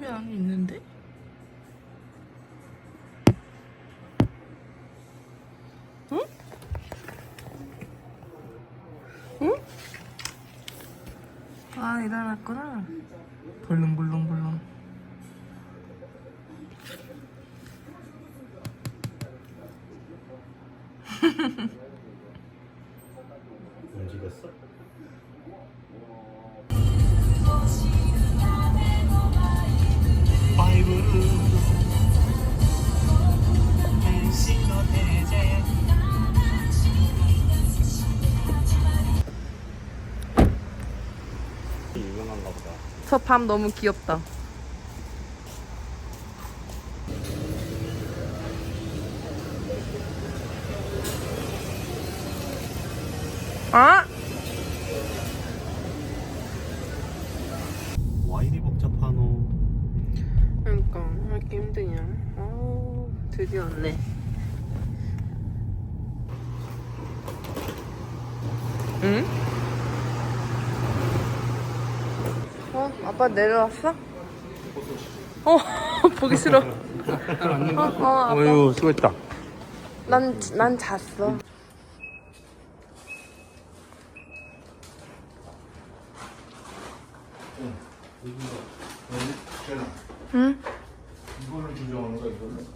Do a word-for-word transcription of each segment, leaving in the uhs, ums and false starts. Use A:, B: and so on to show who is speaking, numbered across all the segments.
A: 사람이 안에 있는데? 응? 응? 아, 일어났구나. 벌렁벌렁벌렁.
B: 움직였어? 유명한가 보다.
A: 저 밤 너무 귀엽다. 아?
B: 와 이리 복잡하노.
A: 그러니까 왜 이렇게 힘드냐. 아우, 드디어 왔네. 응? 어? 아빠 내려왔어? 어, 보기 싫어. 어, 어, 아빠.
B: 어휴 수고했다.
A: 난, 난 잤어. 응?
B: 이거를 조정하는 거야 이거를?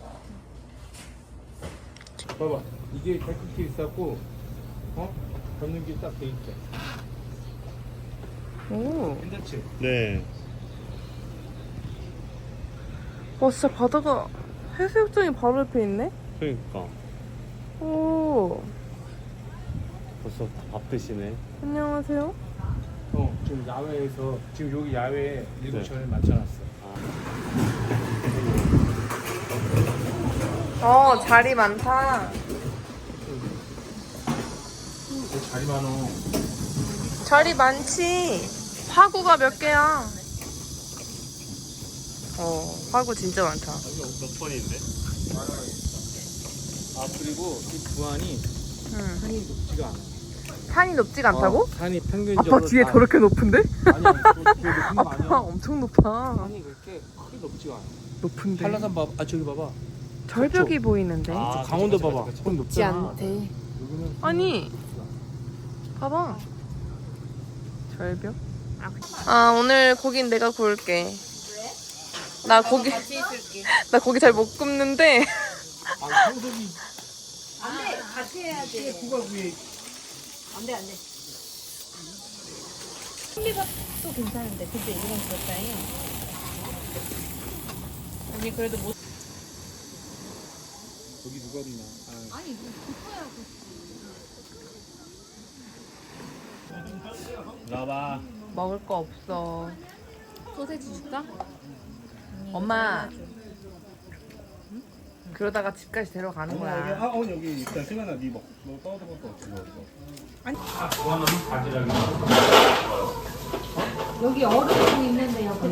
B: 봐봐 이게 데크키 있었고 어? 걷는 게 딱 돼 있대.
A: 오.
B: 괜찮지? 네.
A: 와, 진짜 바다가 해수욕장이 바로 옆에 있네?
B: 그러니까
A: 오.
B: 벌써 다 밥 드시네.
A: 안녕하세요.
C: 어, 지금 야외에서 지금 여기 야외에 일곱
B: 네.
C: 시간을 맞춰놨어.
A: 어, 자리 많다.
C: 자리 많어.
A: 자리 많지. 화구가 몇 개야? 어, 화구 진짜 많다.
B: 여기 몇 번인데?
C: 아 그리고 이 부안이
A: 응.
C: 산이 높지가 않아.
A: 산이 높지가 않다고?
C: 어, 산이 평균적으로
A: 아빠 뒤에
C: 다-
A: 저렇게 높은데?
C: 아니 아니 그게 높은 거
A: 아빠
C: 아니야.
A: 엄청 높아.
C: 산이 그렇게 크게 높지가 않아.
A: 높은데.
C: 한라산 봐봐. 아 저기 봐봐.
A: 절벽이 보이는데.
B: 아,
C: 저 강원도
B: 그치,
C: 봐봐.
B: 그치, 그치.
C: 그건
A: 높지
C: 높잖아.
A: 않대.
C: 여기는
A: 아니, 봐봐. 절벽? 아, 오늘 고긴 내가 구울게. 왜? 나 고기,
D: 같이 있을게.
A: 나 고기 잘 못 굽는데.
C: 아 성석이
D: 안돼, 같이 해야지.
C: 누가 위에
D: 안돼, 안돼. 신비가 또 괜찮은데, 근데 이건 그렇다잉. 언니 그래도 못.
C: 거기 누가 있나? 아,
D: 아니, 그거야.
B: 나봐.
A: 먹을 거 없어.
D: 소세지 줄까?
A: 엄마. 그러다가 집까지 데려가는 거야.
C: 아, 어 여기 일단 승현아 니 먹, 너 떠오른 것도 없지 뭐.
D: 여기 얼음 있는데 옆에.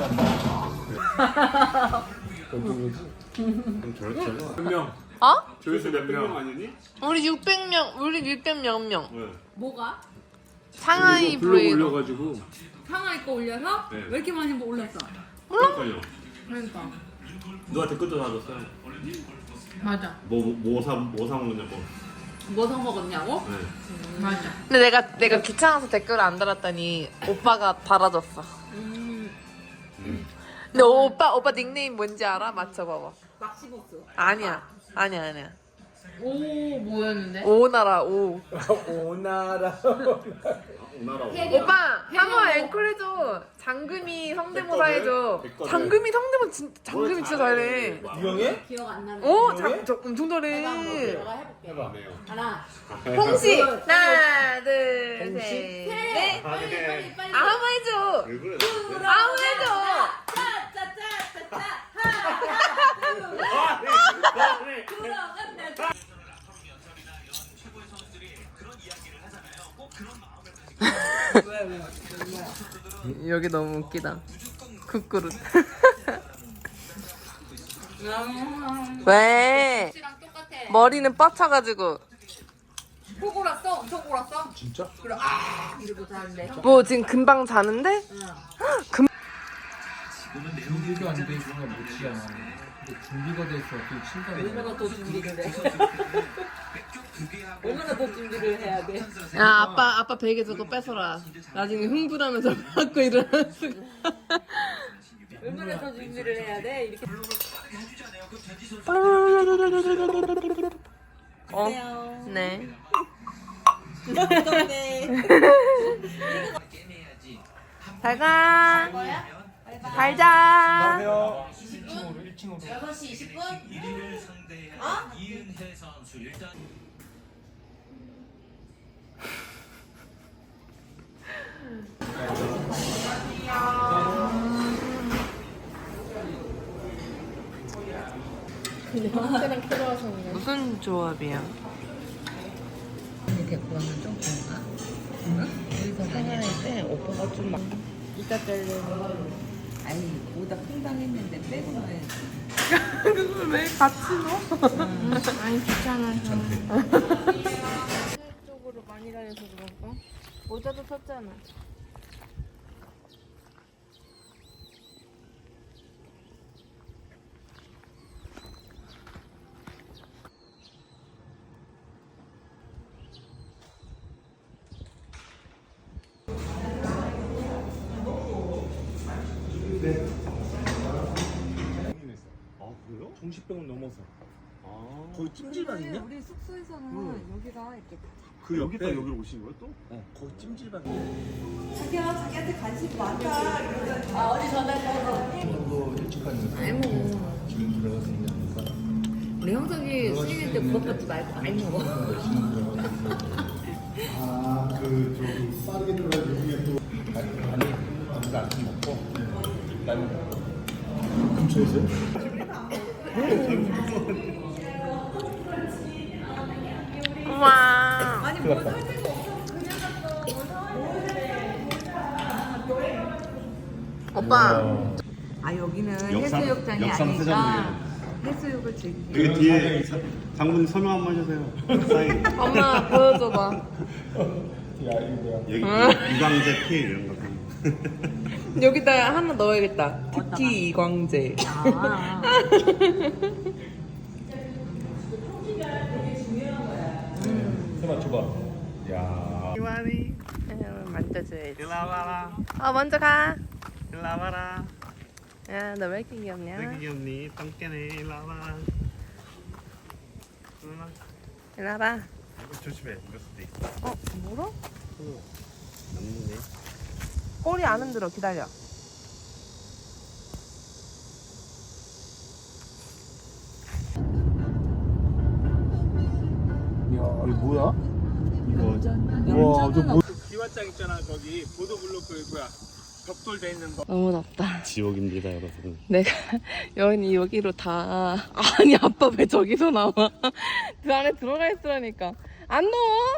B: 그럼 저렇게 몇 명?
A: 어?
B: 조회수 몇 명 아니니?
A: 우리 육백 명, 우리 육백 명 명.
B: 네.
D: 뭐가?
A: 상하이 브레이로.
C: 올려가지고
D: 상하이 거 올려서?
B: 네.
D: 왜 이렇게 많이 올렸어?
B: 그러니까요.
D: 그러니까.
B: 누가 댓글도 달았어요.
D: 맞아.
B: 뭐뭐사뭐사 먹냐고.
D: 뭐 사 먹었냐고?
B: 네.
D: 맞아.
A: 근데 내가 내가 귀찮아서 댓글을 안 달았더니 오빠가 달아줬어.
D: 음,
A: 근데 오빠 오빠 닉네임 뭔지 알아? 맞춰봐봐.
D: 막시보스.
A: 아니야, 아니야, 아니야.
D: 오, 뭐였는데?
A: 오나라 오.
C: 오나라.
B: 오나라
D: 해리.
A: 오빠 한번
D: 해리하고.
A: 앵콜 해줘. 장금이 성대모사 해줘.
B: 됐거든.
A: 장금이 성대모사 진짜 장금이 진짜 잘해.
C: 유명해?
D: 기억 안 나는.
A: 오, 장, 저 엄청
D: 내가
A: 잘해.
D: 한번 내가 해볼게.
B: 해봐. 네요.
D: 하나.
A: 홍시
D: 둘,
A: 하나 둘
C: 홍시?
A: 셋
D: 셋.
A: 넷.
D: 빨리, 빨리, 빨리.
A: 아, 한번 해줘.
B: 왜 그래?
A: 아무 해줘.
D: 짜짜짜짜짜. 하나, 둘, 들어간다.
A: 여기 너무 웃기다. 국그릇. 왜?
D: 씨랑 똑같아.
A: 머리는 뻗쳐가지고.
D: 코 골았어? 엄청 골았어?
C: 진짜?
D: 그래, 아, 이러고 자는데.
A: 뭐 지금 금방 자는데?
D: 응.
A: 금.
B: 준비가 안 돼 있으면 못 치잖아. 근데 준비가 돼 있어 그 친다고.
D: 얼마나 더 준비를 해? 얼마나 더 준비를 해야 돼?
A: 야 아빠 아빠 베개 저거 뺏어라. 나중에 흥분하면서 받고 일어나는 순간.
D: 얼마나 더 준비를 해야 돼? 이렇게.
A: 어? 네. 잘 가. 잘 자.
C: 일 층으로 일 층으로.
D: 여섯 시 이십 분?
E: 어? 이은혜 선수 일단
A: 무슨 조합이야?
F: 데리고 가면 좀 그런가? 응? 여기서 생활할 때 오빠가 좀 막 이따 때리는 아니 오다 팽당했는데 빼고 넣어야지.
A: 그걸 왜 같이 넣어? 아니 귀찮아서. 쪽으로 많이 다녀서 그런가? 모자도 샀잖아.
C: 아 그래요? 정신병을 넘어서. 아.
G: 거기 찜질방 있냐?
F: 우리 숙소에서는 여기가 이렇게
G: 그 여기다 여기로 오신 거야 또? 어 거기 찜질방.
F: 자기야 자기한테 관심 많다.
D: 아, 어디 전화해서.
B: 도 일찍 가니까
F: 많이 먹어.
B: 지금 들어갔으면 하니까.
F: 우리 형석이 스님일 때 부럽받지 말고 많이 먹어.
G: 아그 저기 빠르게 들어가는 중에 또
B: 아니 아니 아무도 안 먹고 나는
G: 근처에서요?
A: 우와.
F: 아니 뭘 살 데가 없어. 그냥 갔다.
A: 오빠.
F: 아 여기는
G: 역삼-
F: 해수욕장이
G: 역삼
F: 아니니까
G: 세자분이에요.
F: 해수욕을 즐기기.
G: 여기 뒤에 사- 장모님 설명 한번 해주세요. 사인.
A: 엄마 보여줘봐.
B: 야 이거 뭐야?
G: 여기 유광재 피 이런 거.
A: 여기다 하나 넣어야겠다. 특히 이광재.
F: 아.
B: 해봐 줘봐. 야.
A: 이완이 만져줘야지.
B: 일로 와봐라.
A: 어 먼저 가.
B: 일로 와봐라.
A: 야 너 왜 이렇게 귀엽냐?
B: 왜 귀엽니? 똥개네. 일로 와봐라. 일로 와.
A: 일로 와봐.
B: 조심해. 이럴 수도 있어.
A: 어 물어?
B: 남는데.
A: 꼬리 안 흔들어. 기다려.
C: 야 이거 뭐야? 이거. 와, 저 뭐? 기와장 있잖아 거기 보도블록 그 뭐야 벽돌 돼 있는 거.
A: 너무 덥다.
G: 지옥입니다 여러분.
A: 내가 여기 여기로 다 아니 아빠 왜 저기서 나와? 그 안에 들어가 있으라니까. 안 넣어.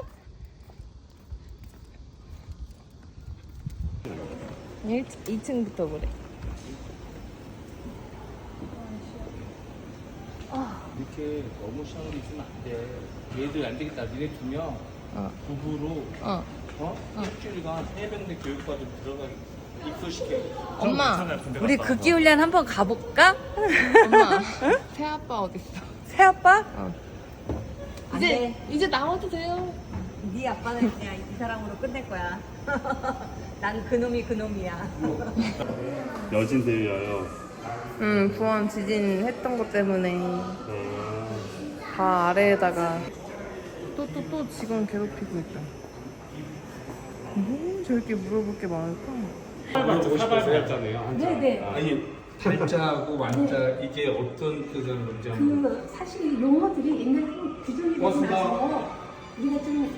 A: 이 층부터 그래.
B: 이렇게 너무 샤워를 있으면 안 돼. 얘들 안 되겠다. 니네 두 명
A: 어.
B: 부부로
A: 어.
B: 어? 일주일간 해병대 교육과도 들어가 입소시켜.
A: 엄마.
F: 우리 극기 훈련 한번 가볼까?
A: 엄마. 새 아빠 어딨어?
F: 새 아빠?
A: 어.
F: 안
A: 이제
F: 돼.
A: 이제 나와도 돼요.
F: 네 아빠는 그냥 이 사람으로 끝낼 거야. 난 그놈이 그놈이야.
G: 여진 대위하여.
A: 응 부원 지진 했던 것 때문에 다 아래에다가 또 또 또 직원 괴롭히고 있다. 뭐 저렇게 물어볼 게 많을까?
B: 사발자네요.
F: 네네.
B: 아니 팔자하고 완자 이게 어떤 뜻을 뭔지 한번.
H: 그 사실 용어들이 옛날 규정이
B: 고맙습니다.
H: 나서 우리가 좀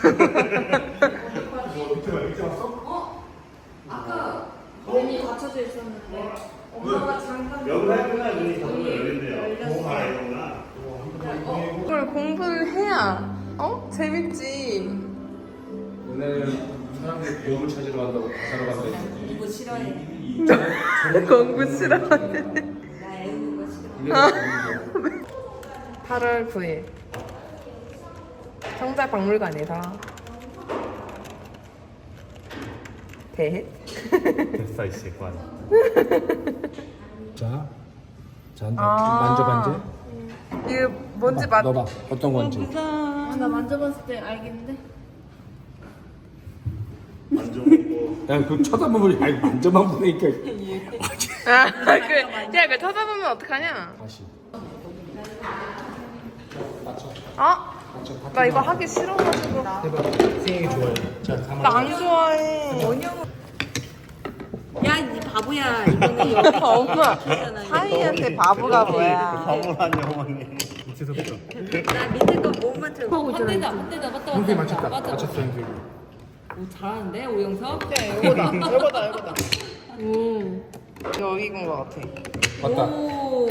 D: 문이 닫혀져 있었는데 엄마가 잠깐
G: 연말구나 눈이 자꾸 열린대요. 뭐가 이거구나.
A: 그걸 공부를 해야 어? 재밌지.
B: 오늘 사람들 배움을 찾으러 간다고 가사로 간다 했지.
F: 이거 싫어해.
A: 공부 싫어하네.
F: 나 애우는 거 싫어.
B: 이래서
A: 팔월 구일 청자박물관에서 대.
G: 됐어 이 새끼야.
B: 자, 자,
A: 아.
B: 만져봐 이제.
A: 이게 뭔지 맞.
B: 넣어봐. 어떤 건지.
A: 아, 나 만져봤을 때 알겠는데.
G: 만져보고.
B: 야, 그 쳐다보면 아니 만져만 보니까.
A: 아, 그, 야, 그 쳐다보면 어떡하냐?
B: 다시.
A: 어? 나 이거 하기 싫어가지고.
B: 해봐. 생이 좋아요. 자, 가만.
A: 나 안 좋아해.
D: 야, 이 바보야. 이거는 여기
A: 엄마, 사이한테 바보가 뭐야?
G: 바보라니 어머니.
B: 밑에서부터.
D: 나 밑에 거 몸만 좀. 헛대다, 헛대다, 맞다,
B: 형태
D: 맞다,
B: 맞췄다.
D: 맞다.
B: 맞췄어 형태.
D: 오, 잘하는데 오영석?
A: 이거다, 이거다, 이거다. 음, 여기 이건 것 같아.
B: 맞다.
D: 오.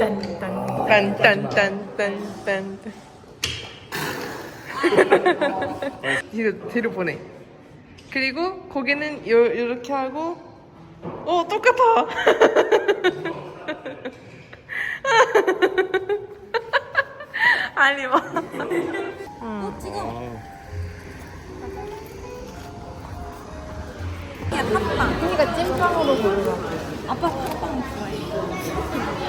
A: 딴딴딴딴딴딴. 이거 뒤로 보내. 그리고 고개는 요 요렇게 하고. 어, 똑같아. 아니 뭐.
D: 어, 지금.
A: 그러니까 찐빵으로 고르라.
D: 아빠 팥빵 좋아해.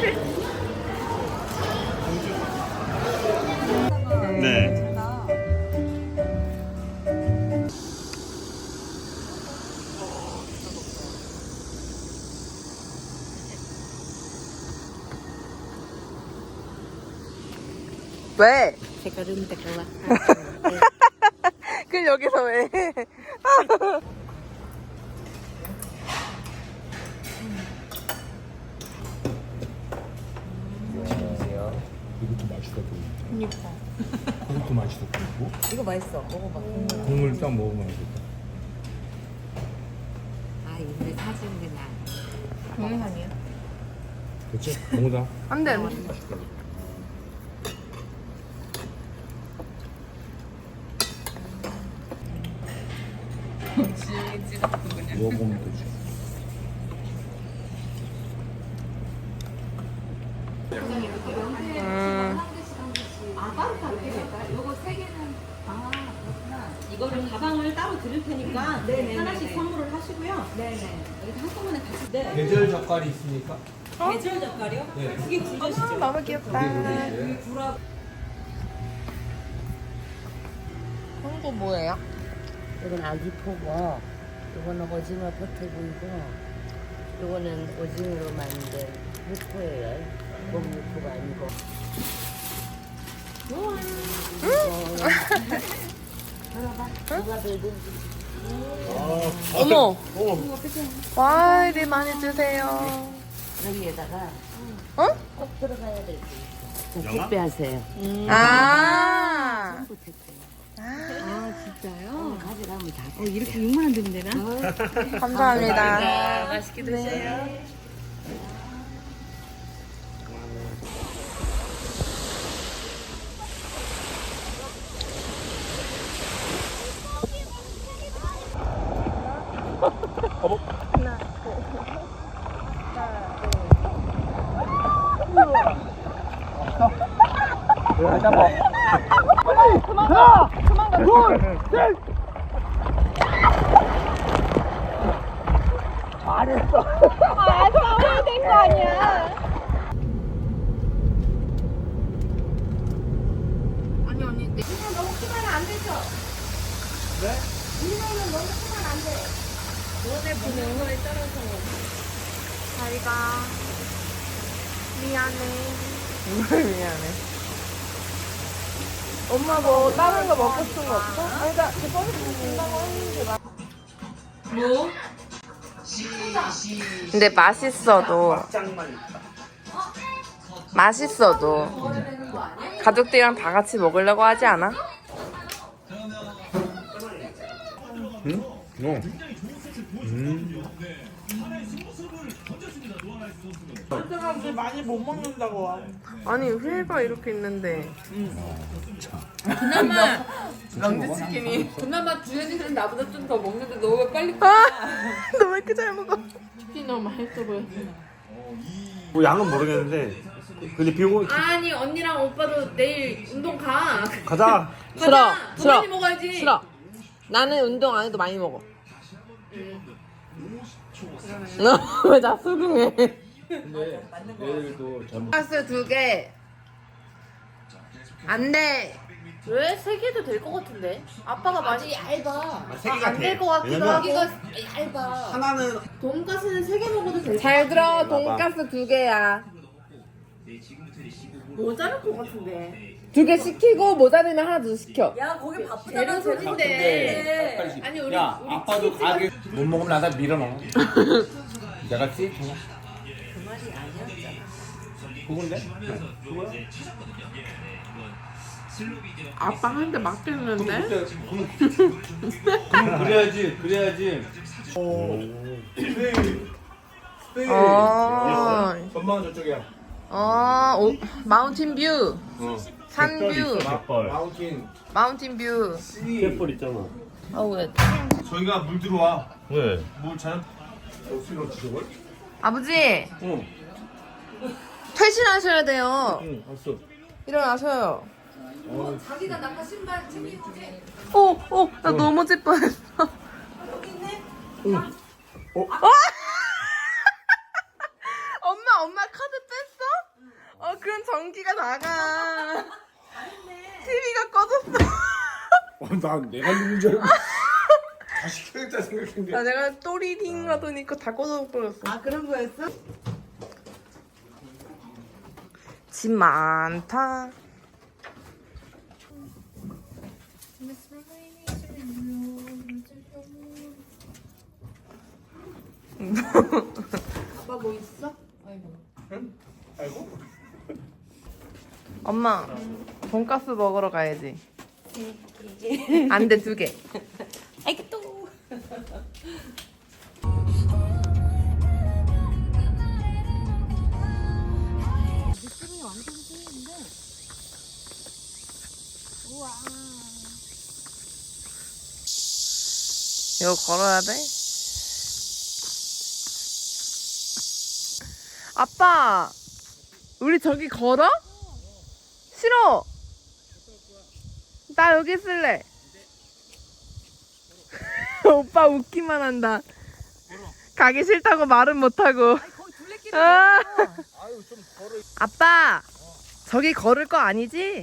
G: 네.
A: 왜?
D: 색깔은 색깔.
A: 그럼 여기서 왜?
B: 이것도 맛있어 보이네. 그니까. 그것도 맛있어 보이고.
D: 이거 맛있어. 먹어봐.
B: 국물 딱 먹으면 알겠다.
D: 아, 이거 사주는 나.
A: 동영상이야?
B: 그렇지? 너무다.
A: 안 돼.
B: 먹어보면 되지.
A: 음.
D: 이거를 가방을 따로 드릴 테니까 하나씩 선물을 하시고요. 네네. 여기 한꺼번에 같이. 네.
B: 계절 젓갈이 있으니까.
D: 계절 젓갈이요?
B: 네.
D: 그게 굵으시죠?
A: 아, 너무 귀엽다.
D: 구라.
A: 홍보 뭐예요?
F: 이건 아기포고, 이거는 오징어 버터구이고, 이거는 오징어로 만든 육포예요. 목육포가 아니고. 들어봐. 누가 들든
A: 어머. 와, 이리 많이 주세요.
F: 여기에다가
A: 어?
F: 꼭 들어가야 될 게 있어. 택배 하세요.
A: 아.
F: 아, 진짜요? 가져가면 다.
D: 어, 이렇게 육만 원 드면 되나?
A: 감사합니다.
D: 맛있게 드세요.
A: 자기가 미안해. 뭘 미안해? 엄마 뭐 다른 거 먹고 싶은 거 없어? 아니 나 저번에 준다고 했는데 나. 뭐? 근데 맛있어도 맛있어도 가족들이랑 다 같이 먹으려고 하지 않아?
B: 응? 어. 음.
I: 사람들 많이 못 먹는다고.
A: 아니 회가 이렇게 있는데
D: 그나마
A: 명지치킨이
D: 그나마 주연이들은 나보다 좀 더 먹는데 너 왜 빨리
A: 아! 너 왜 이렇게 잘 먹어?
D: 치킨 너무 맛있어 보여.
G: 뭐 양은 모르겠는데. 근데 비고
D: 아니 언니랑 오빠도 내일 운동 가.
G: 가자.
A: 싫어
D: 더
A: 싫어
D: 많이 먹어야지.
A: 싫어 나는 운동 안 해도 많이 먹어 너 왜 나 수긍해?
B: 근데 얘들도 잘못.
A: 돈가스 두 개. 안 돼. 왜? 세 개도 될 것 같은데? 아빠가 많이 얇아.
G: 세 개가
A: 안 될
G: 돼.
A: 것 같기도
G: 왜냐면
A: 하고. 얇아.
G: 하나는
D: 돈가스는 세 개 먹어도 될
A: 잘 들어. 돈가스 두 개야.
D: 모자랄 것 같은데.
A: 두 개 시키고 모자르면 하나 더 시켜.
D: 야 거기 바쁘잖아 재진데.
A: 아니 우리
B: 야, 아빠도 가게 못 먹으면 나다 밀어넣어. 내가 지 그 말이 아니었잖아. 그건데? 그거야?
A: 아빠 한 대 맞겠는데?
B: 그때 그럼, 그럼 그래야지, 그래야지.
A: 어.
B: 전망은 저쪽이야.
A: 어. 오, 마운틴 뷰.
B: 어.
A: 산 뷰.
G: 갯벌.
B: 마운틴.
A: 마운틴 뷰.
G: 갯벌 있잖아.
A: 어우 왜?
B: 저희가 물 들어와.
G: 왜?
B: 물 잘. 어디로 지저걸?
A: 아버지
B: 응.
A: 퇴실하셔야 돼요.
B: 응, 봤어.
A: 일어나셔요.
B: 어,
D: 자기가 나가 신발 챙겨주지.
A: 오, 오, 나 넘어질 뻔했어. 엄마, 엄마 카드 뺐어? 어, 그럼 전기가 나가. 티비가 꺼졌어.
B: 어, 난 내가 누군 줄 알고. 다시 켜야겠다 생각했는데.
A: 나 내가 또리링 하더니 그거 다 꺼져버렸어.
D: 아 그런 거였어?
A: 집 많다.
D: 아빠 뭐 있어?
B: 알고?
A: 엄마, 돈가스 먹으러 가야지. 안 돼, 두 개.
D: 아이고 또.
A: 이거 걸어야 돼? 아빠, 우리 저기 걸어? 싫어. 나 여기 있을래. 오빠 웃기만 한다. 가기 싫다고 말은 못하고. 아. 아빠, 저기 걸을 거 아니지?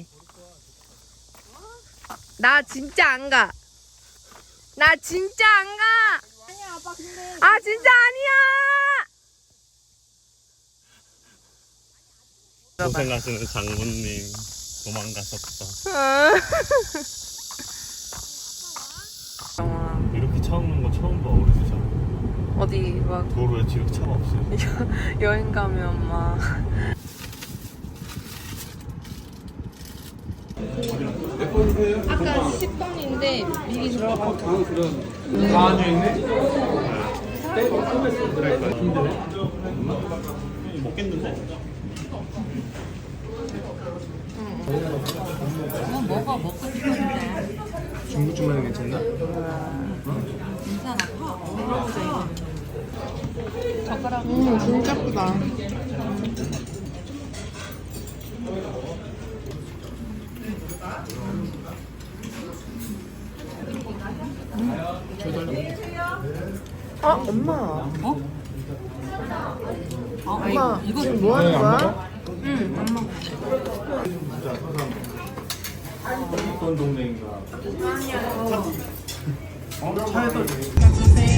A: 나 진짜 안 가. 나 진짜 안 가.
D: 아니야 아빠 근데.
A: 아 진짜 아니야.
G: 고생하시는 장모님 도망가셨다. 이렇게 차 없는 거 처음 봐 우리 진짜.
A: 어디 막
G: 도로에 지금 차가 없어요.
A: 여행 가면 막 아까 십 번인데 미리 들어가고
B: 다 앉아있네?
G: 먹겠는데?
F: 뭐 먹어 먹고 싶은데
B: 중국집만 괜찮나?
F: 괜찮아 파 먹어보자 이거 젓가락
A: 음 진짜 크다. 아 엄마. 어? 엄마
F: 이거
A: 지금 뭐 하는 거야?
B: 어떤 동네인가?
A: 아니야.
B: 어? 차에서